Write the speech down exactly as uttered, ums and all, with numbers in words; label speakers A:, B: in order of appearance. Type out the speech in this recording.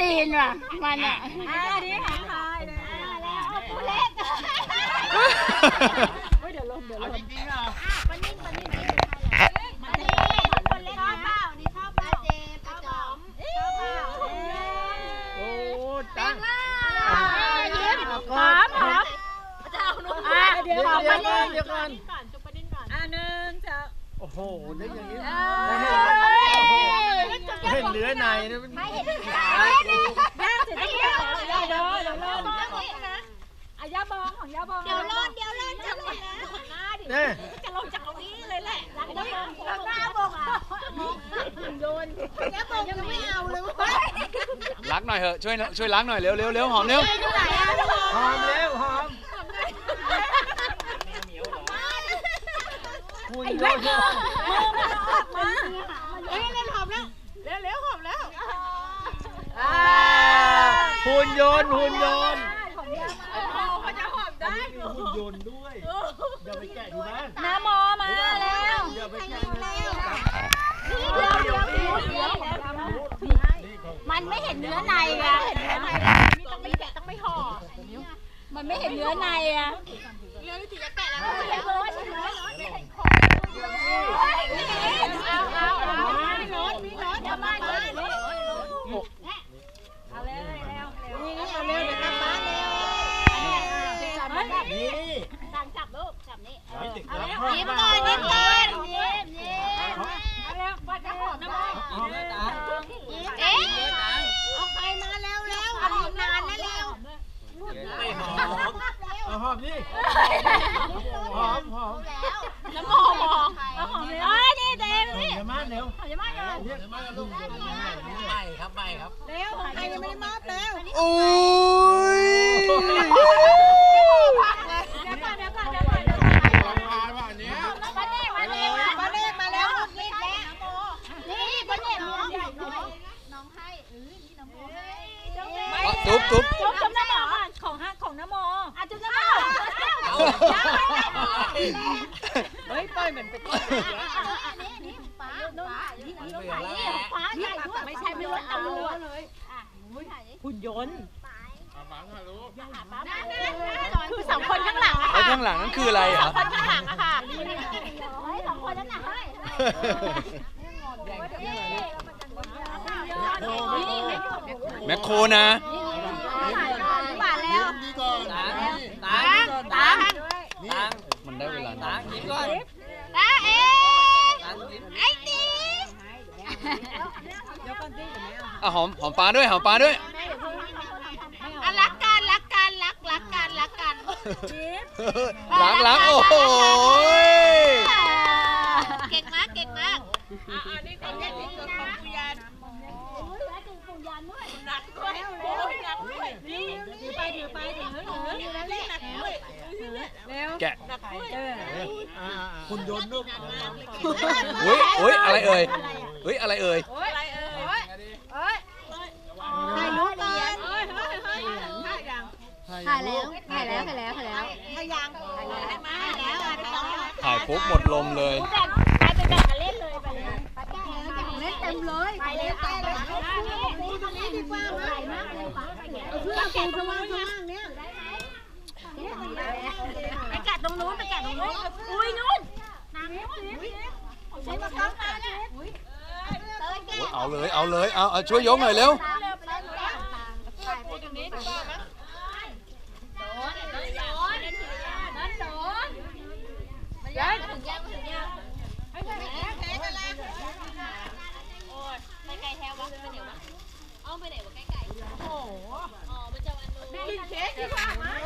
A: จีนว่ะมันอ่ะ
B: อันนี้หางคายนะแล้วเล็กเดี๋ยวลงเดี๋ยวลงจริงๆเหรอปนิ่งปนิ่งปนิ่งคนเล็กข้าวเปล่านี่ข้าวเปล่าเจมข้าวหอมข้าวเปล่า
C: โอ้ตั้ง
B: ยิ้มหอมหอมจะเอาหนูอ่ะเดี๋ยวหอมปนิ่ง
C: เดี๋ยวก่อน
B: จุ๊บปนิ่งก่อนอ่ะหนึ่งจะ
C: โอ้โหได้อย่างนี้เห็นเนื้อในนะ
B: ไม่เห็นย่างเสร็จแล้วเดี๋ยวเดี๋ยวเดี๋ยวเดี๋ยวอายาบองของยาบองเดี๋ยวร้อนเดี๋ยวร้อนจะหมดแล้วหน้าดิจะลงจากตรงนี้เลยแหละหลังหน้าบองอ่ะโยนยาบองยังไม่เอาเลยเว้ย
D: ล้างหน่อยเหอะช่วยช่วยล้างหน่อยเร็วเร็วเร็วหอมเร็ว
C: หอมเร็วหอมคุณโยน
B: มาเฮ้ยเล่นหอมแล้วเร็วเร็วหอมแล้ว
C: หุ่นยนต์หุ่นยนต์
B: เขาจะหอมได้
C: หุ่นยนต์ด้วยอย่าไปแกะที่บ้าน
B: น้ำมอมาแล้ว
C: อย่าไปแกะที่บ้าน
B: เดี๋ยวเดี๋ยวเดี๋ยวมันไม่เห็นเนื้อในอ่ะต้องไม่แกะต้องไม่ห่อมันไม่เห็นเนื้อในอ่ะเนื้อที่จะแกะแล้วไม่เห็นเลยไม่เห็นคอเอาเอาเอามีรถมีรถจะมาเลยเอาเร็วเร็วนี่เอาเร็วเดี๋ยวกลับบ้านเร็วนี่สั่งจับลูกจับนี่ยิ้มก่อนยิ้มก่อนยิ้มยิ้มเอาเร็วปัดกระหอบน้ำมันเอ๊ะเอาใครมาเร็วเร็วเอาหอมนานนะเร็ว
C: ไม่หอมเอาหอมนี่หอมหอม
B: แล้วมองมองแล้วหอมเลยอ๋อนี่เต็มนี่
C: อย่ามาเร็ว
B: อย่ามาเลย
C: อย่ามาลูกไม่ครับไม่ครับ
B: เร็วใครยังไม่ได้มอบเร็ว
D: โอ้ย
B: เดี๋ยวก่อนเดี๋ยวก่อนเดี๋ยวก่อนเดี๋ยวก่อนมาเนี่ยมาเน่มาเน่มาเน่มาแล้วรีบแล้วนี่มาเน่น้องน้องให้เออนี่น้องให้
D: จุ๊บจุ๊บ
B: จุ๊บจุ๊บน้ำหมอของฮะของน้ำหมออ่ะจุ๊บน้ำหมอเฮ้ยปล่อยเหมือนเป็นนี่นี่ฟ้าฟ้านี่ฟ้าใหญ่ด้วยไม่ใช่ไม่ว่าตำรวจเลยหุ่นยนต์คือสองคนข้างหลังอะค่ะ
D: ข้างหลังนั่นคืออะไรอ่ะ
B: สองคนข้างหลังอะค่ะสองคนนั้นน่ะ
D: แมคโครนะ
B: หวานแล้วตังตังตัง
D: มันได้เวลา
C: ตังยิ้มก่อน
B: ตาเอ๊ไอ้ตี
D: อ่ะหอมหอมปลาด้วยหอมปลาด้วย
B: รักกันรักกันรักรักกันรักกัน
D: ล้างล้างโอ้โห
B: เก่งมากเก่งมากอ่านี่เป็นเรื่องจริงของปุยานโอ้ยแล้วจริงปุยานด้วยหนักด้วยโอ้ยหนักด้วยนี่ถือไปถือไปถือถือแล้วเล่นหนักด้วยเร็ว
D: แกะ
C: คุณโยนลูก
D: อุ้ยอุ้ยอะไรเอ่ยอุ้ยอะไรเอ่ย
B: อะไรเอ่ยเอ้ยถ่ายรูปก่อนเฮ้ยเฮ้ยเฮ้ยถ่ายแล้วถ่ายแล้วถ่ายแล้วถ่ายแล้วถ่ายยังถ่ายแล้วถ่ายแล้ว
D: ถ่ายปุ๊บหมดลมเลย
B: ไปไปแบ่งกันเล่นเลยไปเลยไปแก้แล้วเล่นเต็มเลยไปเลยแก้เลยนี่ตรงนี้ดีกว่าใหญ่มากเลยป่ะเพื่อแกะตรงว่างตรงว่างเนี้ยไปแกะตรงนู้นไปแกะตรงนู้นอุ้ยนู้นน้ำนู้นใช้มาตั้งมาเนี่ย
D: เอาเลยเอาเลยเอาเอาช่วยยกหน่อยเร็ว
B: ตรงนี้ดีกว่ามั้ยโดนโดนโดนโดนมันยังถึงยังถึงยังให้แพ้แพ้กันแล้วโอ้ยไปไกลแถววะไปไหนวะอ้อมไปไหนวะใกล้ๆโอ้โหอ๋อมันจะวันนู้นกินเค้กดีกว่ามั้ย